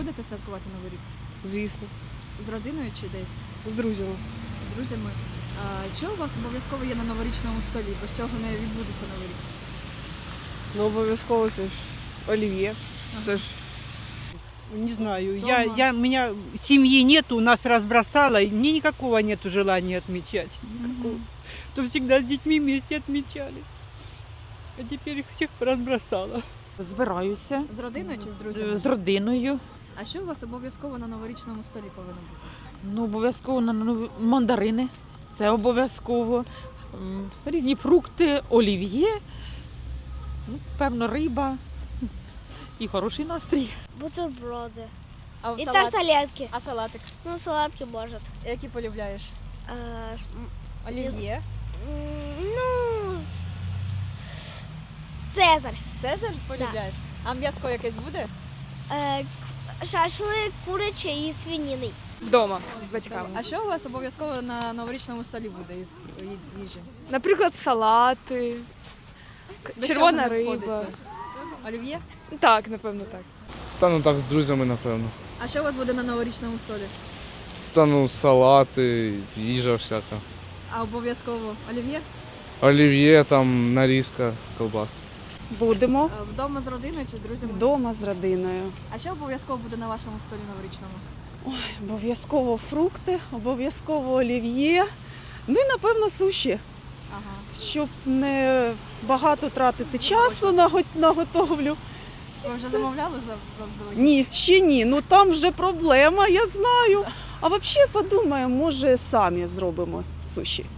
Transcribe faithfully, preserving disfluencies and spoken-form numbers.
будете святкувати Новий рік? Звісно, З родиною чи десь? з друзями. З друзями? А, що у вас обов'язково є на новорічному столі? Без чого не відбудеться Новий рік? Ну, обов'язково це ж олів'є. Це ж Не знаю, Дома. я, я, у меня семьи нету, нас разбросало, и мне никакого нету желания отмечать. Никакого. Мгм. То всегда с детьми вместе отмечали. А теперь их всех разбросало. Збираюся З родиною чи з друзями? з родиною. А що у вас обов'язково на новорічному столі повинно бути? Ну, обов'язково на нові- мандарини. Це обов'язково. М, Різні фрукти, олів'є, ну, певно, риба і хороший настрій. Бутерброди. А в І салат? тарталетки. А салатик? Ну, салатки может. Які полюбляєш? Э, с- м, Олів'є? м, ну, с- Цезарь. Цезарь полюбляєш? А м'яско якесь буде? Э, к- шашлик курячий і свининий. Вдома з батьками. А що у вас обов'язково на новорічному столі буде із ї- їжі? Наприклад, салати, к- Без червона чого не риба. обходиться? Олів'є? Так, напевно, так. Та ну так, з друзями, напевно. А що у вас буде на новорічному столі? Та ну салати, їжа всяка. А обов'язково олів'є? Олів'є, там нарізка з колбас. Будемо А вдома з родиною чи з друзями? вдома з родиною. А що обов'язково буде на вашому столі новорічному? Обов'язково фрукти, обов'язково олів'є. Ну і, напевно, суші, Ага. щоб не багато тратити часу на го- на готовлю. Ви вже замовляли за заздалегідь? Ні, ще ні. Ну там вже проблема, я знаю. А взагалі подумаємо, може самі зробимо суші.